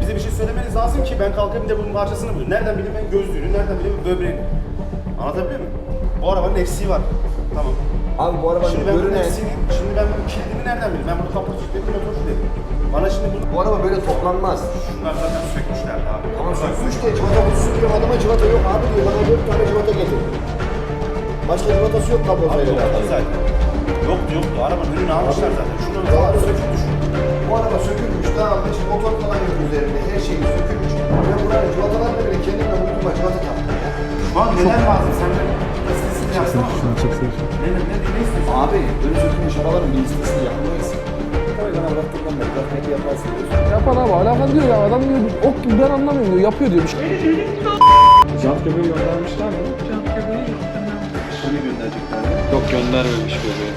bize bir şey söylemeniz lazım ki ben kalkayım da bunun parçasını bulayım. Nereden bileyim ben gözlüğünü, nereden bileyim böbreğini. Anlatabiliyor muyum? Bu arabanın eksiği var. Tamam. Abi bu arabanın Şimdi ben bunun görünen... eksiğini, şimdi ben bunun kilidini nereden bileyim? Ben bunu kaput dedim, motor dedim. Bana şimdi Bu araba böyle toplanmaz. Şunlar zaten sökmüşler abi. Ama sökmüş de civata kutusu diyor, adama civata yok abi diyor. Bana 4 tane civata getir. Başka civatası yok kablosuyla alakalı. Zaten. Yoktu. Arabanın önünü almışlar zaten. Şunları falan söküp düşün. Bu araba sökülmüş, dağılmış, motor falan yok üzerinde, her şey sökülmüş. Ben buranın civatalarını bile kendimle uydurma civata taktım ya. Şu an neden lazım? Sen de listesini yapsana mı? Şunu çeksene. Ne istiyorsun? Abi, böyle sökülmüş arabaların bir listesini yapmayız. Tabii bana bıraktığımdan beri bırakmayı yaparsın diyorsun. Yapan abi alakan diyor ya adam diyor ok gibi ben anlamıyorum diyor yapıyor diyor bir şey. Jant göbeği göndermişler mi? Jant göbeği yok göndermemiş. Şunu gönderecekler. Yok göndermemiş göbeği.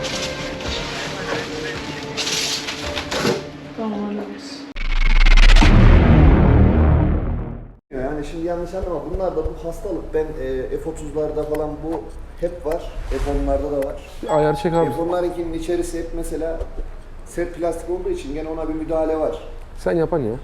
Tamam hallederiz. Yani şimdi yanlış anlama, bunlar da bu hastalık. Ben F30'larda falan bu hep var, F10'larda da var. Bir ayar çek abi. F10'larınkinin içerisi hep mesela sert plastik olduğu için gene ona bir müdahale var. Sen yapan ya.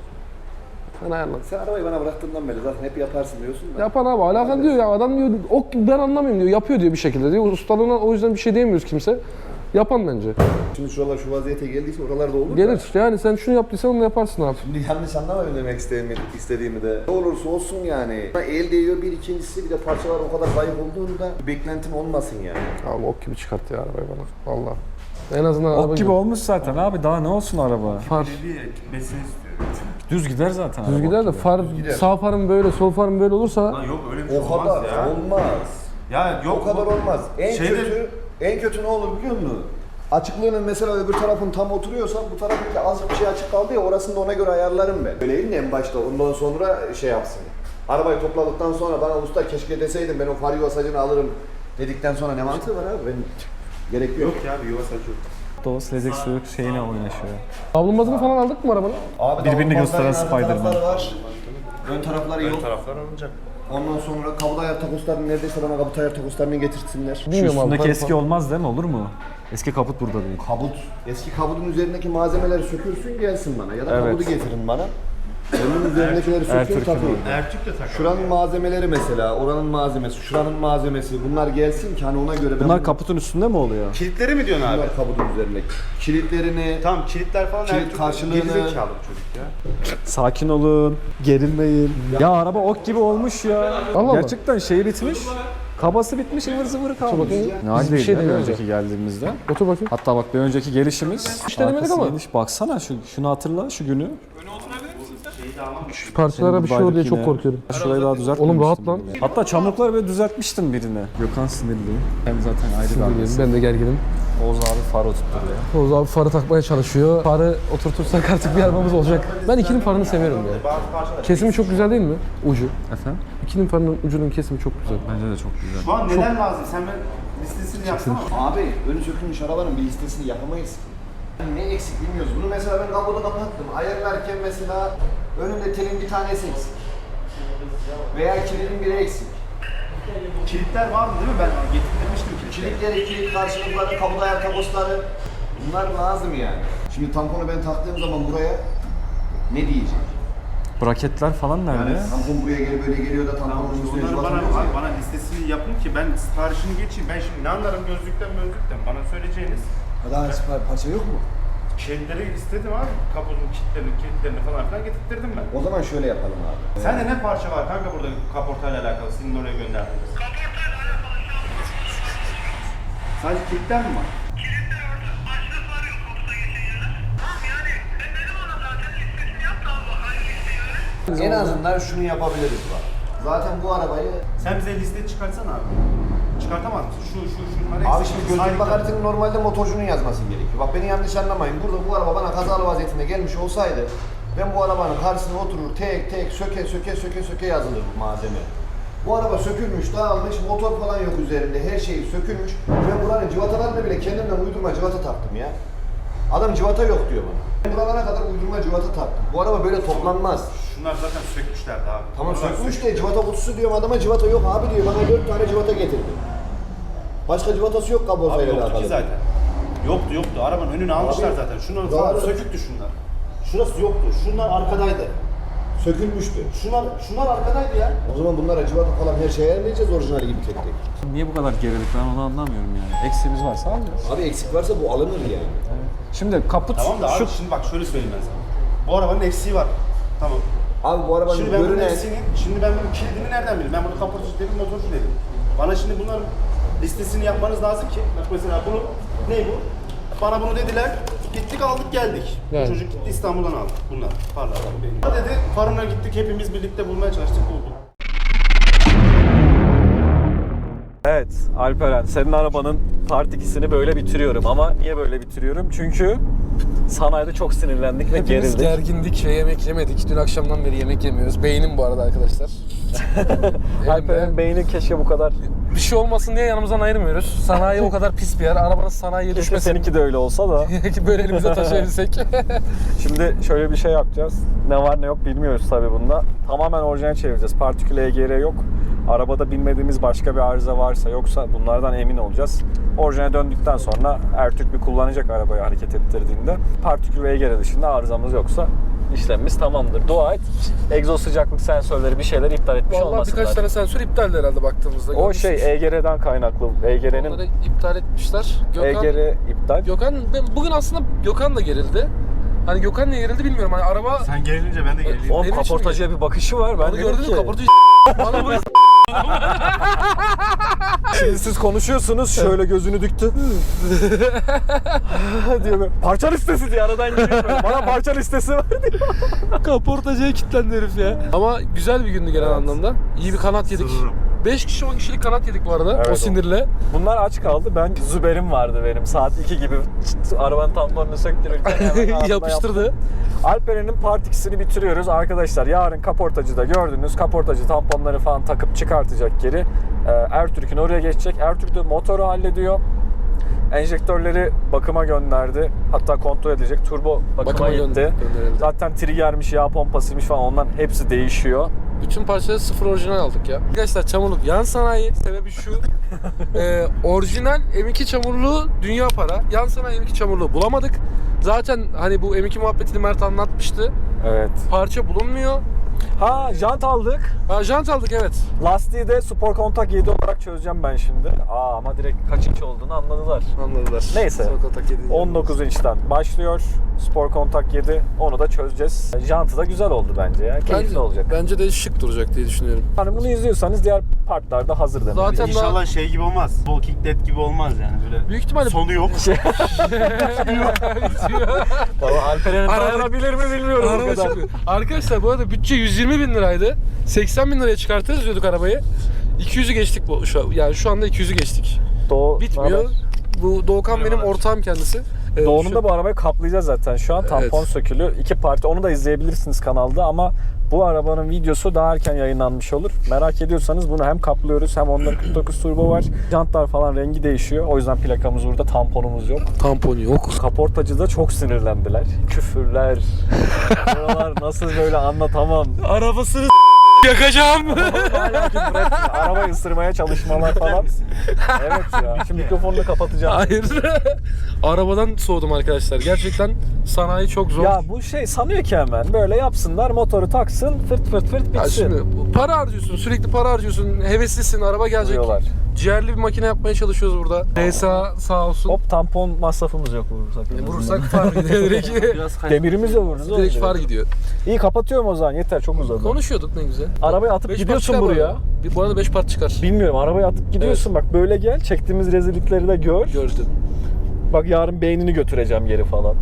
Sen ayarla. Sen arabayı bana bıraktığından beri zaten hep yaparsın diyorsun da. Yapan abi alakan diyor ya adam diyor ok gibi ben anlamıyorum diyor yapıyor diyor bir şekilde diyor. Ustalığına o yüzden bir şey diyemiyoruz kimse. Yapan bence. Şimdi şuralar şu vaziyete geldiyse oralarda olur Gelir da. yani sen şunu yaptıysan onu yaparsın abi. Şimdi yanlış anlama demek istediğimi de. Ne olursa olsun yani. El değiyor bir, ikincisi bir de parçalar o kadar zayıf olduğunda beklentim olmasın yani. Abi ok gibi çıkarttı ya arabayı bana. Vallahi. En azından araba Ok gibi olmuş zaten abi daha ne olsun araba. Far. Gitmesini istiyor. Düz gider zaten. Düz araba gider de ok gibi. far sağ farım böyle sol farım böyle olursa Lan yok öyle bir şey O olmaz kadar ya. olmaz. Ya yok O kadar olmaz. Şeyde- En kötü ne olur biliyor musun? Açıklığının mesela öbür tarafın tam oturuyorsa bu tarafın azıcık bir şey açık kaldı ya orasını da ona göre ayarlarım ben. Öyleyim de en başta ondan sonra şey yapsın. Arabayı topladıktan sonra bana usta keşke deseydim ben o far yuvasacını alırım dedikten sonra ne mantığı var abi? Ben gerek yok. Yok ya bir yuva saçı yok. O silecek su şeyine oynaşıyor. kablomazını falan aldık mı arabanın? Abi Birbirini gösteren arka Spider-Man. tarafları var. Ön tarafları yok. Taraflar alınacak. Ondan sonra kabut ayar takoslarını neredeyse bana kabut ayar takoslarını getirsinler. Şu Bilmiyorum abi, üstündeki farı eski falan. olmaz değil mi? Olur mu? Eski kaput burada değil. Kabut. Eski kabutun üzerindeki malzemeleri sökürsün gelsin bana ya da Evet. kabutu getirin bana. Onun üzerindekileri söküyor Ertürk'ün takıyor. Ertürk de takar. Şuranın malzemeleri mesela, oranın malzemesi, şuranın malzemesi bunlar gelsin ki hani ona göre ben Bunlar kaputun üstünde mi oluyor? Kilitleri mi diyorsun abi? bunlar kabutun üzerindeki kilitlerini, Tamam kilitler falan Kilit Ertürk. karşılığını- Gerizekalı çocuk ya. Sakin olun, gerilmeyin. Ya araba ok gibi olmuş ya. Allah. Gerçekten şey bitmiş. Kabası bitmiş, ıvır zıvır kalmış. bakayım. Ne hal Biz bir değil şey ya bir demiyoruz önceki geldiğimizde. Otur bakayım. Hatta bak bir önceki gelişimiz. Hiç denemedik arkası ama. geniş. Baksana şunu hatırla şu günü. Şu parçalara bir şey olur diye çok korkuyorum. Şurayı daha düzeltmemiştim. Oğlum rahat lan. bile. Hatta çamurlukları böyle düzeltmiştim birine. Gökhan sinirli. Hem zaten ayrı bir ailesi. Ben de gerginim. Oğuz abi far oturtturuyor. Oğuz abi farı takmaya çalışıyor. Farı oturtursak artık bir arabamız olacak. Ben ikinin farını seviyorum ya. Kesimi çok güzel değil mi? Ucu. Efendim? İkinin farının ucunun kesimi çok güzel. Bence de çok güzel. Şu an neden lazım? Sen ben listesini yapsana. abi önü sökülmüş arabanın bir listesini yapamayız. Ne eksik bilmiyoruz. Bunu mesela ben kabuğunu kapattım. Ayarlarken mesela önümde telin bir tanesi eksik. Veya kilidin biri eksik. Kilitler var mı değil mi? Ben getirmiştim kilitleri. Kilitleri, kilit karşılıkları, kabut ayar takosları bunlar lazım yani. Şimdi tamponu ben taktığım zaman buraya ne diyecek? Braketler falan nerede? Yani tampon buraya böyle geliyor da tamponun üstüne Onları cıvatılıyor ya. bana listesini yapın ki ben siparişini geçeyim. Ben şimdi ne anlarım gözlükten. Bana söyleyeceğiniz Daha parça yok mu? kilitleri istedim abi. Kaputun kilitlerini falan filan getirttirdim ben. O zaman şöyle yapalım abi. Sende ne parça var kanka burada kaportayla alakalı senin oraya gönderdiğiniz? Kaportayla alakalı şu an Sadece kilitler mi var? kilitler orada. Başlık var yok kaputa geçen yere. Tamam yani sen dedim ona zaten listesini yap da abi hangi listeyi En azından şunu yapabiliriz bak. Zaten bu arabayı... Sen bize liste çıkartsana abi. Çıkartamaz mısın? Şunları Abi eksik. şimdi gözlük bakaretinin normalde motorcunun yazması gerekiyor. Bak beni yanlış anlamayın. Burada bu araba bana kazalı vaziyetinde gelmiş olsaydı ben bu arabanın karşısına oturur tek tek söke yazılır bu malzeme. Bu araba sökülmüş, dağılmış, motor falan yok üzerinde, her şey sökülmüş. Ben buranın civatalarını bile kendimden uydurma civata taktım ya. Adam civata yok diyor bana. Ben buralara kadar uydurma civata taktım. Bu araba böyle toplanmaz. Şunlar zaten sökmüşlerdi abi. Tamam Bunlar sökmüş de civata kutusu diyorum adama civata yok abi diyor. Bana 4 tane civata getirdi. Başka civatası yok Abi kablosuyla yoktu alakalı. ki zaten. Yoktu. Arabanın önünü almışlar zaten. Şunlar Doğru. falan söküktü şunlar. Şurası yoktu. Şunlar arkadaydı. Sökülmüştü. Şunlar arkadaydı ya. O zaman bunlar acıvata falan her şeyi ayarlayacağız orijinali gibi tek tek. Niye bu kadar gerilik ben onu anlamıyorum yani. Eksiğimiz varsa alacağız. Abi eksik varsa bu alınır yani. Şimdi kaput Tamam da abi şu şimdi bak şöyle söyleyeyim ben sana. Bu arabanın eksiği var. Tamam. Abi bu arabanın Şimdi ben bunun görünen... eksiğini, şimdi ben bunun kilidini nereden bileyim? Ben bunu kaportacı dedim, motorcu dedim. Bana şimdi bunların listesini yapmanız lazım ki. Bak mesela bunu, ne bu? Bana bunu dediler, gittik aldık geldik. Yani. Bu çocuk gitti İstanbul'dan aldık bunlar. Parlar benim. Dedi, farına gittik hepimiz birlikte bulmaya çalıştık bulduk. Evet Alperen, senin arabanın Part 2'sini böyle bitiriyorum ama niye böyle bitiriyorum? Çünkü sanayide çok sinirlendik ve Hepimiz gerildik. gergindik ve yemek yemedik. Dün akşamdan beri yemek yemiyoruz. Beynim bu arada arkadaşlar. Alperen'in beyni keşke bu kadar... Bir şey olmasın diye yanımızdan ayırmıyoruz. Sanayi o kadar pis bir yer. Arabanın sanayiye Keşke düşmesin. seninki de öyle olsa da. Böyle elimize taşıyabilsek. Şimdi şöyle bir şey yapacağız. Ne var ne yok bilmiyoruz tabii bunda. Tamamen orijinal çevireceğiz. Partikül EGR yok. Arabada bilmediğimiz başka bir arıza varsa yoksa bunlardan emin olacağız. Orijinale döndükten sonra Ertürk bir kullanacak arabayı hareket ettirdiğinde. Partikül EGR dışında arızamız yoksa işlemimiz tamamdır. Dua et. Egzoz sıcaklık sensörleri bir şeyler iptal etmiş Vallahi olmasınlar. birkaç tane sensör iptaldi herhalde baktığımızda. O Görmüşsünüz. şey EGR'den kaynaklı. EGR'nin Onları iptal etmişler. EGR iptal. Bugün aslında Gökhan da gerildi. Hani Gökhan niye gerildi bilmiyorum. Hani araba... Sen gerilince ben de gerildim. O Benim için kaportacıya bir bakışı var. Ben Onu dedim gördün ki, mü? Kaportayı bana buraya şimdi siz konuşuyorsunuz şöyle gözünü düktü. diyor böyle, parça listesi diye aradan geliyor böyle. Bana parça listesi var diyor. kaportacıya kilitlendi herif ya. Ama güzel bir gündü genel anlamda. İyi bir kanat yedik. 5 kişi 10 kişilik kanat yedik bu arada Evet, o sinirle. Bunlar aç kaldı. Ben Züber'im vardı benim. Saat 2 gibi arabanın tamponunu söktürürken hemen ağzına Yapıştırdı. yaptım. Alperen'in Part 2'sini bitiriyoruz. Arkadaşlar yarın kaportacıda gördünüz. Kaportacı tamponları falan takıp çıkartacak geri. Ertürk'ün oraya geçecek. Ertürk de motoru hallediyor. Enjektörleri bakıma gönderdi. Hatta kontrol edilecek. Turbo bakıma gitti. gönderildi. Zaten triggermiş, yağ pompasıymış falan onların hepsi değişiyor. Bütün parçaları sıfır orijinal aldık ya. Arkadaşlar çamurluk yan sanayi sebebi şu. Orijinal M2 çamurluğu dünya para. Yan sanayi M2 çamurluğu bulamadık. Zaten hani bu M2 muhabbetini Mert anlatmıştı. Evet. Parça bulunmuyor. Ha, jant aldık. Jant aldık evet. Lastiği de Spor Kontak 7 olarak çözeceğim ben şimdi. Ama direkt kaç inç olduğunu anladılar. Anladılar. Neyse. Sonra kontak yedi. 19 inçten başlıyor. Spor Kontak 7. Onu da çözeceğiz. Jantı da güzel oldu bence ya. Keyifli olacak. Bence de şık duracak diye düşünüyorum. Hani bunu izliyorsanız diğer partlar da hazır demek. Zaten İnşallah şey gibi olmaz. Walking Dead gibi olmaz yani böyle. Büyük ihtimalle Sonu yok. Valla Alperen'in dayanabilir mi bilmiyorum bu Araba kadar. çıkıyor. Arkadaşlar bu arada bütçe 120 bin liraydı. 80 bin liraya çıkartırız diyorduk arabayı. 200'ü geçtik yani şu anda 200'ü geçtik. Bitmiyor. Bu Doğukan benim ortağım kendisi. Doğu'nun da bu arabayı kaplayacağız zaten şu an. Tampon Evet. sökülü. 2 parti. Onu da izleyebilirsiniz kanalda ama bu arabanın videosu daha erken yayınlanmış olur. Merak ediyorsanız bunu hem kaplıyoruz hem 49 turbo var. Jantlar falan rengi değişiyor. O yüzden plakamız burada, tamponumuz yok. Tampon yok. Kaportacıda çok sinirlendiler. Küfürler. Buralar nasıl böyle anlatamam. Arabasını yakacağım. Hala küfür etmiyor. Arabayı ısırmaya çalışmalar falan. Evet ya. Şimdi mikrofonunu kapatacağım. Hayır. Arabadan soğudum arkadaşlar. Gerçekten sanayi çok zor. Ya bu şey sanıyor ki hemen böyle yapsınlar, motoru taksın, fırt fırt fırt bitsin. Ya şimdi para harcıyorsun, sürekli para harcıyorsun, heveslisin, araba gelecek. Diyorlar. Ciğerli bir makine yapmaya çalışıyoruz burada. DSA sağ olsun. Hop, tampon masrafımız yok vurursak. Vurursak far gidiyor direkt. Demirimizle vururuz. oğlum Direkt direkt. far gidiyor. İyi, kapatıyorum o zaman, yeter, çok uzadı. Konuşuyorduk ne güzel. Arabayı atıp 5 gidiyorsun part çıkar buraya. bu arada. Bu arada 5 part çıkar. Bilmiyorum, arabayı atıp gidiyorsun, bak böyle gel, çektiğimiz rezillikleri de gör. Gördüm. Bak yarın beynini götüreceğim geri falan.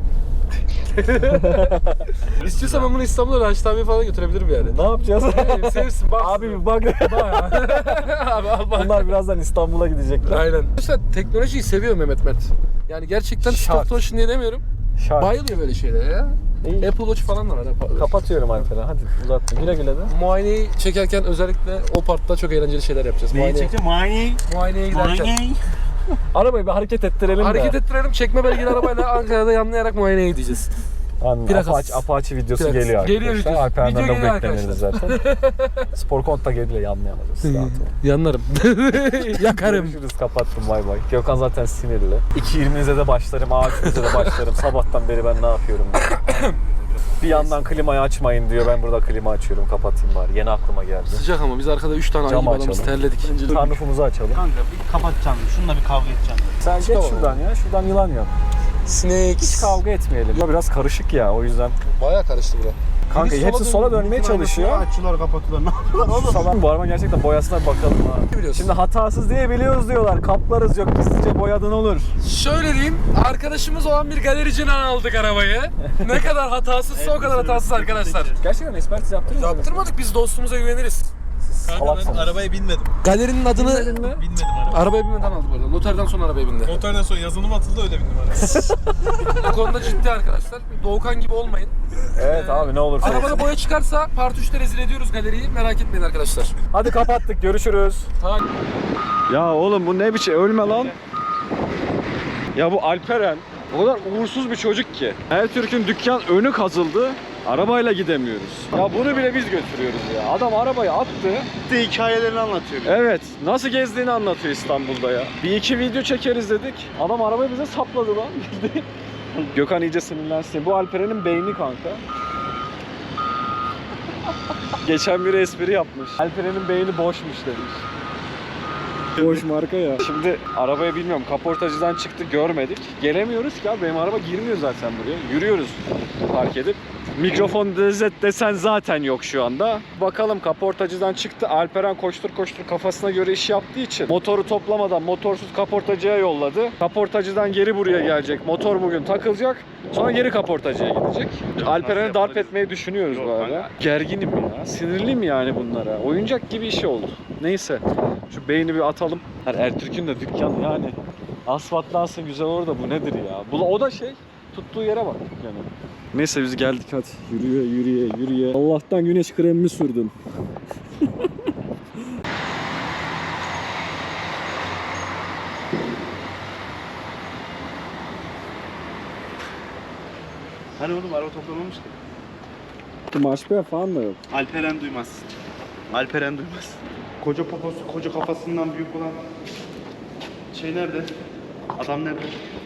İstiyorsan ben bunu İstanbul'a Raşit abi falan götürebilirim yani. Ne yapacağız? Sevsin bak. Abi bir bak. Abi al bak. Bunlar birazdan İstanbul'a gidecekler. Aynen. Arkadaşlar teknolojiyi seviyor Mehmet Mert. Yani gerçekten Şart. stop motion diye demiyorum. Şart. Bayılıyor böyle şeylere ya. İyi. Apple Watch falan da var. Kapatıyorum Alperen, hadi uzatma. Güle güle de. Muayeneyi çekerken özellikle o partta çok eğlenceli şeyler yapacağız. Neyi çekeceğim? Muayeneye giderken. Arabayı bir hareket ettirelim Hareket de. ettirelim, çekme belgeli arabayla Ankara'da yanlayarak muayeneye gideceğiz. Apache, Apache videosu Plakası. geliyor arkadaşlar. Geliyor videosu. Alperen'den Video de geliyor beklenirdi zaten. Spor Konta geliyor, yanlayamayacağız. Rahat olun. Yanlarım. Yakarım. Görüşürüz, kapattım, bay bay. Gökhan zaten sinirli. 2.20'de de başlarım, A3'de de başlarım. Sabahtan beri ben ne yapıyorum? Bir yandan klimayı açmayın diyor. Ben burada klima açıyorum. Kapatayım bari. Yeni aklıma geldi. Sıcak ama biz arkada 3 tane ayı Cam gibi adamız açalım. terledik. Sunroofumuzu açalım. Kanka bir kapatacağım. Şununla bir kavga edeceğim. Sen geç Tamam. şuradan ya. Şuradan yılan yap. Hiç Snakes. kavga etmeyelim. Bu biraz karışık ya o yüzden. Baya karıştı bura. Kanka hepsi sola dönmeye çalışıyor. Açıyorlar, kapatıyorlar. Ne yapıyorlar oğlum? Salak. Bu araba gerçekten boyasına bir bakalım ha. Biliyorsun. Şimdi hatasız diye biliyoruz diyorlar. Kaplarız yok gizlice boyadın olur. Şöyle diyeyim, arkadaşımız olan bir galericiden aldık arabayı. Ne kadar hatasızsa o kadar hatasız arkadaşlar. Gerçekten ekspertiz yaptırır mı? Yaptırmadık, biz dostumuza güveniriz. Kanka ben arabaya binmedim. Galerinin adını Binmedim arabaya. arabaya binmeden aldık bu arada. Noterden sonra arabaya bindi. Motordan sonra yazılım atıldı öyle bindim arabaya. Bu konuda ciddi arkadaşlar. Doğukan gibi olmayın. Evet abi ne olursa. Arabada boya çıkarsa Part 3'te rezil ediyoruz galeriyi. Merak etmeyin arkadaşlar. Hadi kapattık görüşürüz. Ya oğlum bu ne biçim ölme lan. Ya bu Alperen o kadar uğursuz bir çocuk ki. Ertürk'ün dükkan önü kazıldı. Arabayla gidemiyoruz. Ya bunu bile biz götürüyoruz ya. Adam arabayı attı. Hikayelerini anlatıyor. Evet. Nasıl gezdiğini anlatıyor İstanbul'da ya. Bir iki video çekeriz dedik. Adam arabayı bize sapladı lan. Gökhan iyice sinirlensin. Bu Alperen'in beyni kanka. Geçen biri espri yapmış. Alperen'in beyni boşmuş demiş. Boş marka ya. Şimdi arabaya bilmiyorum kaportacıdan çıktı görmedik. Gelemiyoruz ki abi benim araba girmiyor zaten buraya. Yürüyoruz park edip. Mikrofon desen zaten yok şu anda. Bakalım kaportacıdan çıktı. Alperen koştur koştur kafasına göre iş yaptığı için motoru toplamadan motorsuz kaportacıya yolladı. Kaportacıdan geri buraya gelecek. Motor bugün takılacak. Sonra geri kaportacıya gidecek. Alperen'i darp etmeyi düşünüyoruz bu arada. Gerginim ya. Sinirliyim yani bunlara. Oyuncak gibi işi oldu. Neyse. Şu beyni bir atalım. Ertürk'ün de dükkanı yani. Asfaltlansın güzel olur da bu nedir ya? O da şey. Tuttuğu yere bak yani. Neyse biz geldik hadi. Yürüye. Allah'tan güneş kremimi sürdüm. Hani oğlum araba toplamamış ki. Marşpiyer falan da yok. Alperen duymaz. Alperen duymaz. Koca poposu, koca kafasından büyük olan şey nerede? Adam nerede?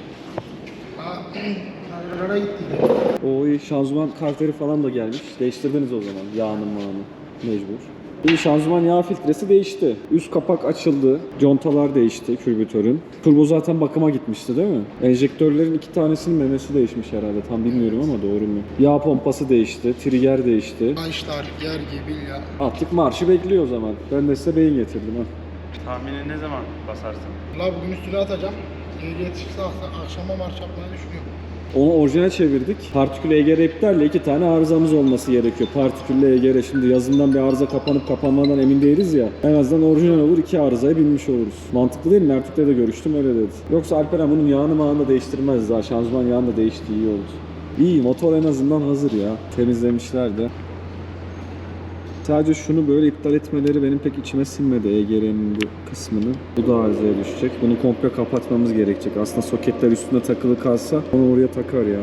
O iyi şanzıman karteri falan da gelmiş. Değiştirdiniz o zaman yağını mağını. Mecbur. İyi şanzıman yağ filtresi değişti. Üst kapak açıldı. Contalar değişti kürbütörün. Turbo zaten bakıma gitmişti değil mi? Enjektörlerin 2 tanesinin memesi değişmiş herhalde. Tam bilmiyorum ama doğru mu? Yağ pompası değişti. Trigger değişti. Başlar yer gibi ya. Artık marşı bekliyor o zaman. Ben de size beyin getirdim ha. Tahmini ne zaman basarsın? La bugün üstüne atacağım. Ehliyet çıksa akşama marş yapmayı düşünüyorum. Onu orijinal çevirdik. Partikül EGR iptalle 2 tane arızamız olması gerekiyor. Partikülle EGR şimdi yazından bir arıza kapanıp kapanmadan emin değiliz ya. En azından orijinal olur 2 arızaya binmiş oluruz. Mantıklı değil mi? Ertük'le de görüştüm öyle dedi. Yoksa Alperen bunun yağını mağını da değiştirmez daha. Şanzıman yağını da değişti iyi oldu. İyi motor en azından hazır ya. Temizlemişler de. Sadece şunu böyle iptal etmeleri benim pek içime sinmedi EGR'nin bu kısmını. Bu da arızaya düşecek. Bunu komple kapatmamız gerekecek. Aslında soketler üstüne takılı kalsa onu oraya takar ya.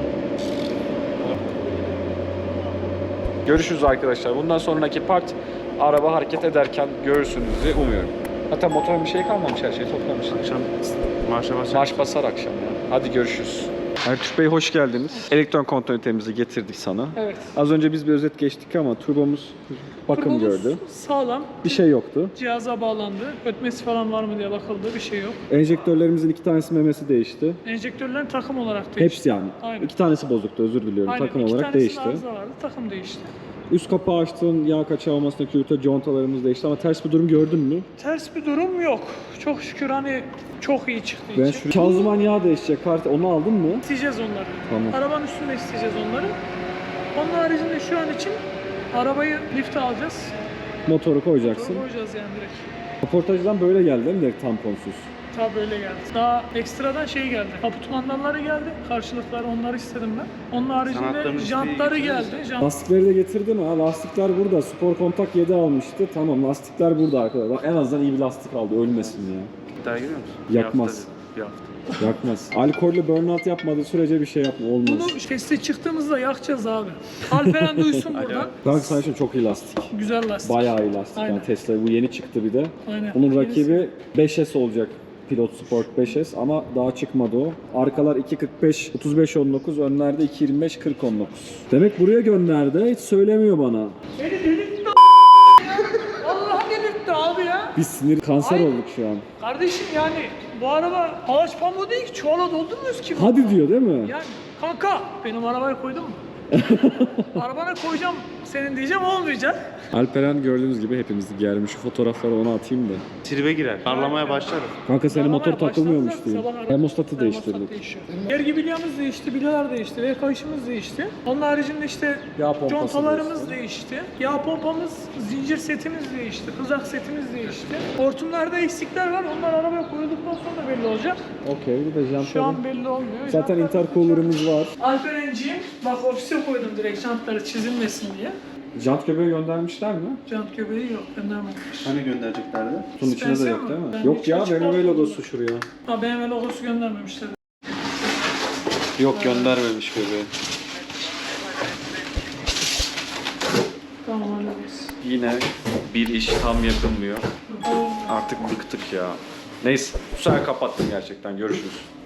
Görüşürüz arkadaşlar. Bundan sonraki part araba hareket ederken görürsünüz diye umuyorum. Hatta motorun bir şey kalmamış, her şeyi toplamışlar. Akşam marşa basacak. Marş basar akşam ya. Hadi görüşürüz. Ertuğrul Bey hoş geldiniz. Elektron kontrol ünitemizi getirdik sana. Evet. Az önce biz bir özet geçtik ama turbomuz bakım Turbomuz gördü. sağlam. Bir şey yoktu. Cihaza bağlandı. Ötmesi falan var mı diye bakıldı. Bir şey yok. Enjektörlerimizin 2 tanesi memesi değişti. Enjektörlerin takım olarak değişti. Hepsi yani. Aynen. 2 tanesi bozuktu özür diliyorum. Aynen. Takım İki olarak tanesinde değişti. arıza vardı. Takım değişti. Üst kapağı açtın, yağ kaçağı olmasına küvete contalarımız değişti ama ters bir durum gördün mü? Ters bir durum yok. Çok şükür hani çok iyi çıktığı Ben için. şu şanzıman yağ değişecek kart onu aldın mı? İsteyeceğiz onları. Tamam. Arabanın üstünde isteyeceğiz onları. Onun haricinde şu an için arabayı lifte alacağız. Motoru koyacaksın. Sonra koyacağız yani direkt. Kaportacıdan böyle geldi değil mi direkt tamponsuz? Tabi böyle geldi. Daha ekstradan şey geldi. Kaput mandalları geldi. Karşılıkları onları istedim ben. Onun haricinde Sanatlarımız jantları değil, geldi. Lastikleri de getirdin ha. Lastikler burada. Spor kontak 7 almıştı. Tamam lastikler burada arkadaşlar. Bak, en azından iyi bir lastik aldı. Ölmesin ya. İddiaya giriyor musun? Yakmaz. Bir hafta. Yakmaz. Alkollü burnout yapmadığı sürece bir şey yapma. Olmaz. Bunu testi çıktığımızda yakacağız abi. Alperen duysun buradan. Kanka sana şimdi çok iyi lastik. Güzel lastik. Bayağı iyi lastik. Aynen. Yani Tesla bu yeni çıktı bir de. Aynen. Bunun rakibi 5S olacak. Pilot Sport 5S ama daha çıkmadı o. Arkalar 2.45 35.19, önlerde 2.25 40.19. Demek buraya gönderdi. Hiç söylemiyor bana. Beni delirtti Allah delirtti abi ya. Biz sinir kanser Ay. olduk şu an. Kardeşim yani bu araba palaç pamuğu değil ki, çuvala doldurmuyoruz ki. Hadi diyor değil mi? Yani kanka benim arabaya koydun mu? Arabana koyacağım senin diyeceğim, olmayacak. Alperen gördüğünüz gibi hepimizi germiş. Şu fotoğrafları ona atayım da. Tribe girer. Parlamaya başlarım. Kanka senin motor Arabaya takılmıyormuş başladılar, diyor. sabah araba- Termostatı termostat değiştirdik. değişiyor. Vergi bilyamız değişti, bilyalar değişti, ve kayışımız değişti. Onun haricinde işte Yağ pompası contalarımız değişti. Yağ pompamız, zincir setimiz değişti, hızak setimiz değişti. Hortumlarda eksikler var, onlar arabaya koyulduktan sonra belli olacak. Okey, bir de Şu jantları. an belli olmuyor. Zaten Jantlar- intercooler'ımız var. Alperenciğim, bak ofise koydum direkt jantları çizilmesin diye. Jant göbeği göndermişler mi? Jant göbeği yok, göndermemiş. Hani göndereceklerdi? Bunun içinde de Spencer yok mi? değil mi? Ben Yok hiç ya, açık BMW bakmadım. logosu şuraya. Ha, BMW logosu göndermemişler. Yok, göndermemiş göbeği. Tamam, hallederiz. Yine bir iş tam yapılmıyor. Artık bıktık ya. Neyse, bu sefer kapattım gerçekten. Görüşürüz.